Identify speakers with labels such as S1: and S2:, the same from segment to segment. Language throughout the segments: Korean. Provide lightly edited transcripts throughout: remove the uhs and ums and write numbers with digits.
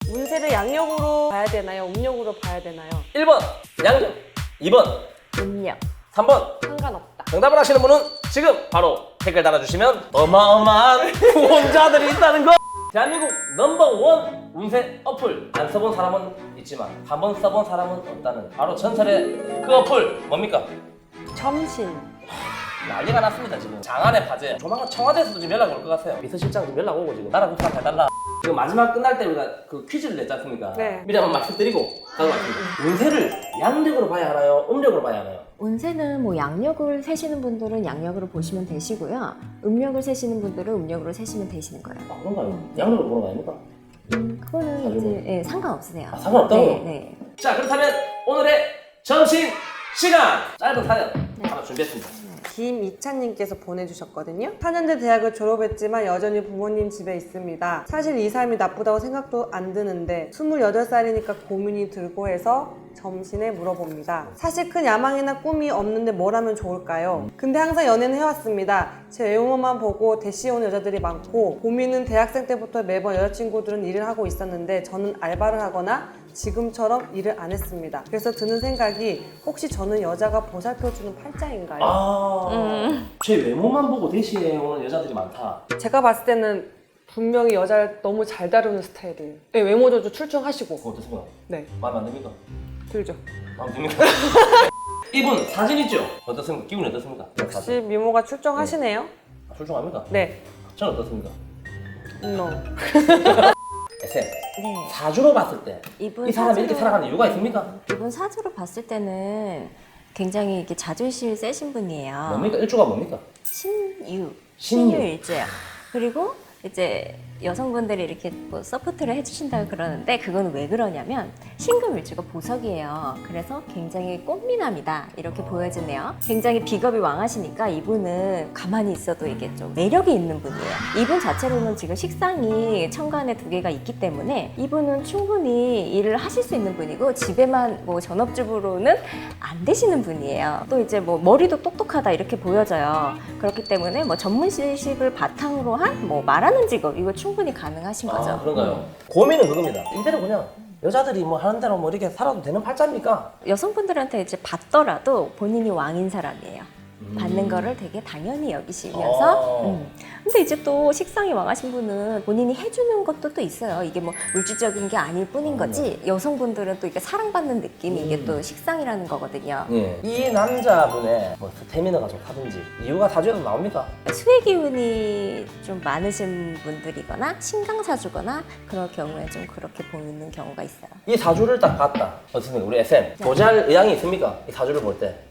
S1: 운세를 양력으로 봐야 되나요? 음력으로 봐야 되나요?
S2: 1번 양력, 2번
S3: 음력.
S2: 3번.
S1: 상관없다.
S2: 정답을 하시는 분은 지금 바로 댓글 달아주시면 어마어마한 후원자들이 있다는 거! 대한민국 넘버원 운세 어플 안 써본 사람은 있지만 한 번 써본 사람은 없다는 바로 전설의 그 어플 뭡니까?
S1: 점신.
S2: 난리가 났습니다 지금. 장안의 화제. 조만간 청와대에서도 지금 연락 올 것 같아요. 비서실장 지금 연락 오고 지금 나라 국상 해달라. 지금 마지막 끝날 때 우리가 그 퀴즈를 냈지 않습니까?
S1: 네.
S2: 미리 한번 말씀드리고 가져왔습니다. 운세를 양력으로 봐야 하나요? 음력으로 봐야 하나요?
S3: 운세는 뭐 양력을 세시는 분들은 양력으로 보시면 되시고요. 음력을 세시는 분들은 음력으로 세시면 되시는 거예요.
S2: 아 그런가요? 양력으로 보는 거 아닙니까?
S3: 그거는 이제 예, 상관없으세요.
S2: 아, 상관없다고요?
S3: 네, 네.
S2: 자 그렇다면 오늘의 점심 시간 짧은 사연 하나 준비했습니다.
S1: 김이찬님께서 보내주셨거든요. 4년제 대학을 졸업했지만 여전히 부모님 집에 있습니다. 사실 이 삶이 나쁘다고 생각도 안 드는데 28살이니까 고민이 들고 해서 점심에 물어봅니다. 사실 큰 야망이나 꿈이 없는데 뭘 하면 좋을까요? 근데 항상 연애는 해왔습니다. 제 외모만 보고 대시 오는 여자들이 많고 고민은 대학생 때부터 매번 여자친구들은 일을 하고 있었는데 저는 알바를 하거나 지금처럼 일을 안 했습니다. 그래서 드는 생각이 혹시 저는 여자가 보살펴주는 팔자인가요?
S2: 제 외모만 보고 대시해 오는 여자들이 많다.
S1: 제가 봤을 때는 분명히 여자를 너무 잘 다루는 스타일이에요. 네, 외모조도 출중하시고.
S2: 그거 어떻습니까?
S1: 네,
S2: 마음에 안 듭니까?
S1: 들죠.
S2: 마음에 듭니까? 이분 사진 있죠? 어떻습니까? 기분이 어떻습니까?
S1: 역시 미모가 출중하시네요.
S2: 출중합니까?
S1: 네,
S2: 저는 어떻습니까?
S1: no.
S2: SM
S3: 네.
S2: 사주로 봤을 때 이
S3: 이분
S2: 사람이 이렇게
S3: 사주로-
S2: 살아가는 이유가 있습니까?
S3: 이분 사주로 봤을 때는 굉장히 이렇게 자존심이 세신 분이에요.
S2: 뭡니까? 일주가 뭡니까?
S3: 신유.
S2: 신유.
S3: 일주예요. 그리고 이제 여성분들이 이렇게 뭐 서포트를 해주신다고 그러는데 그건 왜 그러냐면 신금일주가 보석이에요. 그래서 굉장히 꽃미남이다 이렇게 보여지네요. 굉장히 비겁이 왕하시니까 이분은 가만히 있어도 이게 좀 매력이 있는 분이에요. 이분 자체로는 지금 식상이 천간에 2개가 있기 때문에 이분은 충분히 일을 하실 수 있는 분이고 집에만 뭐 전업주부로는 안 되시는 분이에요. 또 이제 뭐 머리도 똑똑하다 이렇게 보여져요. 그렇기 때문에 뭐 전문 지식을 바탕으로 한 뭐 말하는 직업 이거 충분히 가능하신 거죠.
S2: 아 그런가요? 고민은 그겁니다. 이대로 그냥 여자들이 뭐 하는 대로 뭐 이렇게 살아도 되는 팔자입니까?
S3: 여성분들한테 이제 받더라도 본인이 왕인 사람이에요. 받는 거를 되게 당연히 여기시면서 근데 이제 또 식상이 왕하신 분은 본인이 해주는 것도 또 있어요. 이게 뭐 물질적인 게 아닐 뿐인 거지 여성분들은 또 이게 사랑받는 느낌이 이게 또 식상이라는 거거든요.
S2: 예. 이 남자분의 뭐 스태미너가 좋다든지 이유가 사주에서 나옵니까?
S3: 수의 기운이 좀 많으신 분들이거나 신강사주거나 그럴 경우에 좀 그렇게 보이는 경우가 있어요.
S2: 이 사주를 딱 봤다. 어떻습니까? 우리 SM 보잘 의향이 있습니까? 이 사주를 볼 때.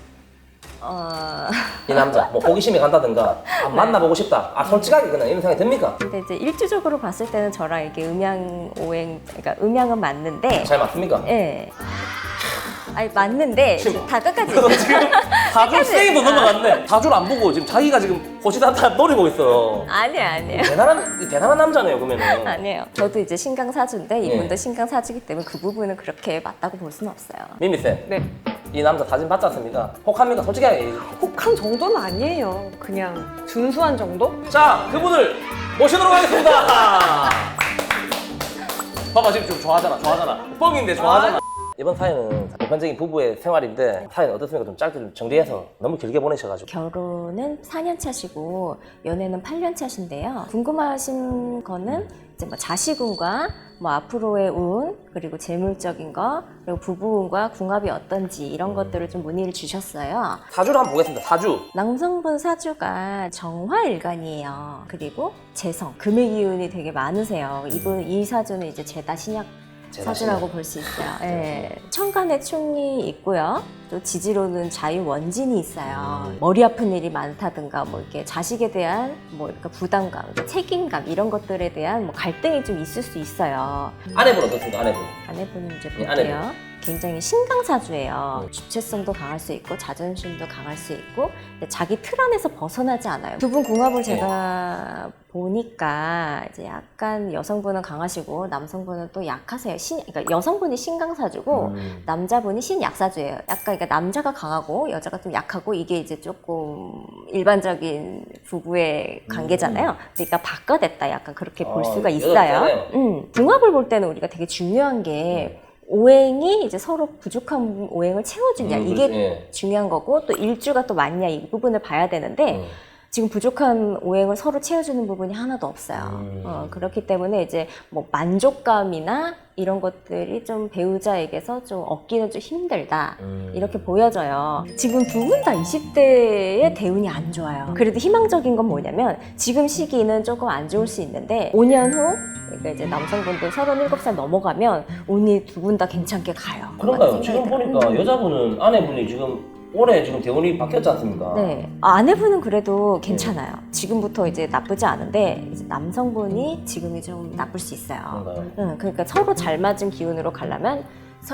S2: 이 남자 뭐 호기심이 간다든가 만나보고 싶다. 솔직하게 그냥 이런 생각이 듭니까?
S3: 근데 이제 일주적으로 봤을 때는 저랑 이게 음양오행, 그러니까 음양은 맞는데,
S2: 잘 맞습니까?
S3: 예. 아니 맞는데
S2: 지금-
S3: 다 끝까지
S2: 지금 사주 세이도 넘어갔네. 사주를 안 보고 지금 자기가 지금 호시다타 노리고 있어.
S3: 아니에요.
S2: 대단한 남자네요 그러면은.
S3: 아니에요. 저도 이제 신강사주인데 이분도
S2: 예.
S3: 신강사주기 때문에 그 부분은 그렇게 맞다고 볼 수는 없어요.
S2: 미미쌤,
S1: 네,
S2: 이 남자 사진 봤지 않습니까? 혹합니까? 솔직하게 얘기해 주세요.
S1: 혹한 정도는 아니에요. 그냥 준수한 정도?
S2: 자, 그분을 모시도록 하겠습니다. 봐봐 지금 좀 좋아하잖아. 뻥인데 좋아하잖아. 이번 사연은 보편적인 부부의 생활인데 사연 어떻습니까? 좀 짧게 좀 정리해서 너무 길게 보내셔가지고.
S3: 결혼은 4년 차시고 연애는 8년 차신데요. 궁금하신 거는 이제 뭐 자식운과 뭐 앞으로의 운 그리고 재물적인 거 그리고 부부운과 궁합이 어떤지 이런 것들을 좀 문의를 주셨어요.
S2: 사주를 한번 보겠습니다. 사주.
S3: 남성분 사주가 정화일간이에요. 그리고 재성, 금의 기운이 되게 많으세요. 이 사주는 이제 제다 신약 사주라고 볼 수 있어요. 예. 천간에 충이 있고요. 또 지지로는 자유원진이 있어요. 머리 아픈 일이 많다든가 뭐 이렇게 자식에 대한 뭐 이렇게 부담감, 그러니까 책임감 이런 것들에 대한 뭐 갈등이 좀 있을 수 있어요.
S2: 아내분 어떻습니까? 아내분.
S3: 아내분 이제
S2: 예,
S3: 볼게요. 굉장히 신강사주예요. 주체성도 강할 수 있고 자존심도 강할 수 있고 근데 자기 틀 안에서 벗어나지 않아요. 두 분 궁합을 제가 보니까 이제 약간 여성분은 강하시고 남성분은 또 약하세요. 그러니까 여성분이 신강사주고 남자분이 신약사주예요. 약간 그러니까 남자가 강하고 여자가 좀 약하고 이게 이제 조금 일반적인 부부의 관계잖아요. 그러니까 바꿔댔다 약간 그렇게 볼 수가 있어요. 궁합을 볼 때는 우리가 되게 중요한 게 오행이 이제 서로 부족한 오행을 채워주냐 이게
S2: 예.
S3: 중요한 거고 또 일주가 또 맞냐 이 부분을 봐야 되는데 지금 부족한 오행을 서로 채워주는 부분이 하나도 없어요. 그렇기 때문에 이제 뭐 만족감이나 이런 것들이 좀 배우자에게서 좀 얻기는 좀 힘들다 이렇게 보여져요. 지금 두 분 다 20대의 대운이 안 좋아요. 그래도 희망적인 건 뭐냐면 지금 시기는 조금 안 좋을 수 있는데 5년 후 그러니까 이제 남성분들 37살 넘어가면 운이 두 분 다 괜찮게 가요.
S2: 그런가요? 지금 보니까 여자분은 아내분이 지금 올해 지금 대운이 바뀌었지 않습니까?
S3: 네. 아내분은 그래도 괜찮아요. 지금부터 이제 나쁘지 않은데 이제 남성분이 지금이 좀 나쁠 수 있어요.
S2: 그런가요?
S3: 그러니까 서로 잘 맞은 기운으로 가려면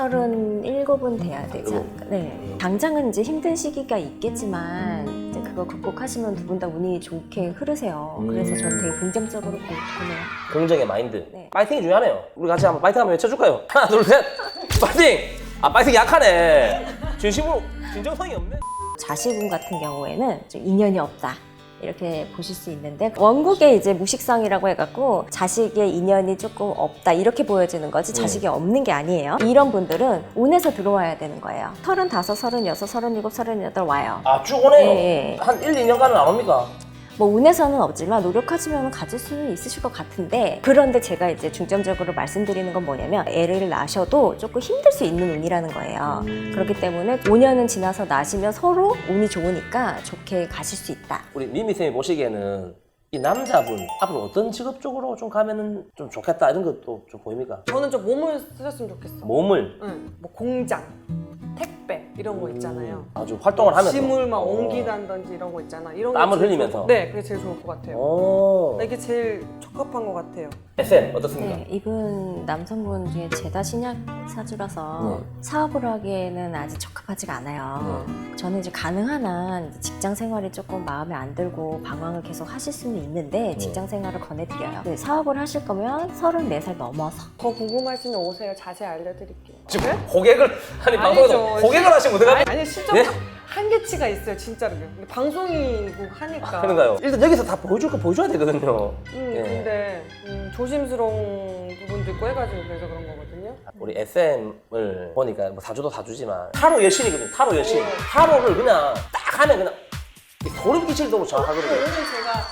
S3: 37은 돼야 되지 않을까. 네. 당장은 이제 힘든 시기가 있겠지만 이제 그거 극복하시면 두 분 다 운이 좋게 흐르세요. 그래서 저는 되게 긍정적으로 보네요.
S2: 긍정의 마인드.
S3: 네.
S2: 파이팅이 중요하네요. 우리 같이 한번 파이팅 한번 외쳐줄까요? 하나, 둘, 셋. 파이팅! 아, 파이팅 약하네. 진심으로 진정성이 없네.
S3: 자식운 같은 경우에는 좀 인연이 없다. 이렇게 보실 수 있는데 원국에 이제 무식성이라고 해갖고 자식의 인연이 조금 없다 이렇게 보여지는 거지 자식이 없는 게 아니에요. 이런 분들은 운에서 들어와야 되는 거예요. 35, 36, 37, 38 와요.
S2: 아, 쭉 오네요.
S3: 예.
S2: 한 1, 2년간은 안 옵니까?
S3: 뭐 운에서는 없지만 노력하시면 가질 수는 있으실 것 같은데 그런데 제가 이제 중점적으로 말씀드리는 건 뭐냐면 애를 낳으셔도 조금 힘들 수 있는 운이라는 거예요. 그렇기 때문에 5년은 지나서 낳으시면 서로 운이 좋으니까 좋게 가실 수 있다.
S2: 우리 미미쌤이 보시기에는 이 남자분 앞으로 어떤 직업 쪽으로 좀 가면은 좀 좋겠다 이런 것도 좀 보입니까?
S1: 저는 좀 몸을 쓰셨으면 좋겠어.
S2: 몸을
S1: 응. 뭐 공장, 택배 이런 거 있잖아요.
S2: 아주 활동을 하면서
S1: 짐을 막 옮기다든지 이런 거 있잖아. 이런 거
S2: 땀을
S1: 제일
S2: 흘리면서?
S1: 좋을 네, 그게 제일 좋을 것 같아요.
S2: 오.
S1: 이게 제일 적합한 것 같아요.
S2: SM 어떻습니까?
S3: 네, 이분 남성분 중에 죄다 신약 사주라서 사업을 하기에는 아직 적합하지가 않아요. 저는 이제 가능한 한 이제 직장 생활이 조금 마음에 안 들고 방황을 계속 하실 수는 있는데 직장 생활을 권해드려요. 네, 사업을 하실 거면 34살 넘어서.
S1: 더 궁금하시면 오세요. 자세히 알려드릴게요.
S2: 지금
S1: 네?
S2: 고객을 아니 방송에서
S1: 아니죠.
S2: 고객을 하시면 어떡합니까?
S1: 아니 실적
S2: 네?
S1: 한계치가 있어요. 진짜로. 이게 방송이고 하니까.
S2: 그런가요? 일단 여기서 다 보여줄 거 보여줘야 되거든요. 예.
S1: 근데 조심스러운 부분도 있고 해가지고 그래서 그런 거거든요.
S2: 우리 SM을 보니까 뭐 사주도 사주지만 타로 여신이거든요. 타로 여신. 타로를 그냥 딱 하면 그냥 소름 끼칠 정도로 정확하거든요.
S1: 오늘 제가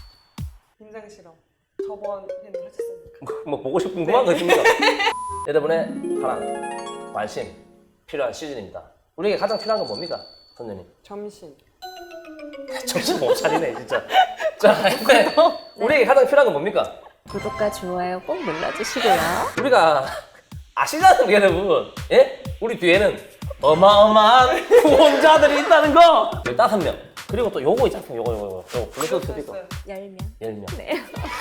S1: 임상 실험 저번 회는 하셨습니까?
S2: 뭐 보고 싶은 궁금한 거 있습니까? 여러분의 사랑, 관심 필요한 시즌입니다. 우리에게 가장 필요한 건 뭡니까? 선생님.
S1: 점심.
S2: 정신 못 차리네 진짜. 자, 근데 우리에게 가장 필요한 건 뭡니까?
S3: 구독과 좋아요 꼭 눌러주시고요.
S2: 우리가 아시잖아요 여러분. 예? 우리 뒤에는 어마어마한 후원자들이 있다는 거. 15명. 그리고 또 요거 있잖아요. 요거 블루투스 스피커.
S3: 10명.
S2: 10명.
S3: 네.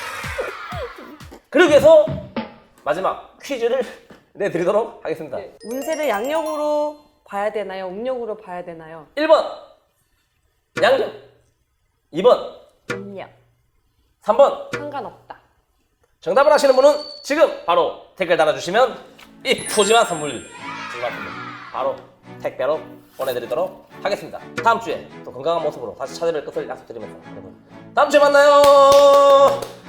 S2: 그러기 위해서 마지막 퀴즈를 내드리도록 하겠습니다.
S1: 네. 운세를 양력으로 봐야 되나요? 음력으로 봐야 되나요?
S2: 1번 양력, 2번,
S3: 음력.
S2: 3번.
S1: 상관없다.
S2: 정답을 아시는 분은 지금 바로 댓글 달아주시면 이 푸짐한 선물 바로 택배로 보내드리도록 하겠습니다. 다음 주에 또 건강한 모습으로 다시 찾아뵐 것을 약속드리면서 여러분 다음 주에 만나요.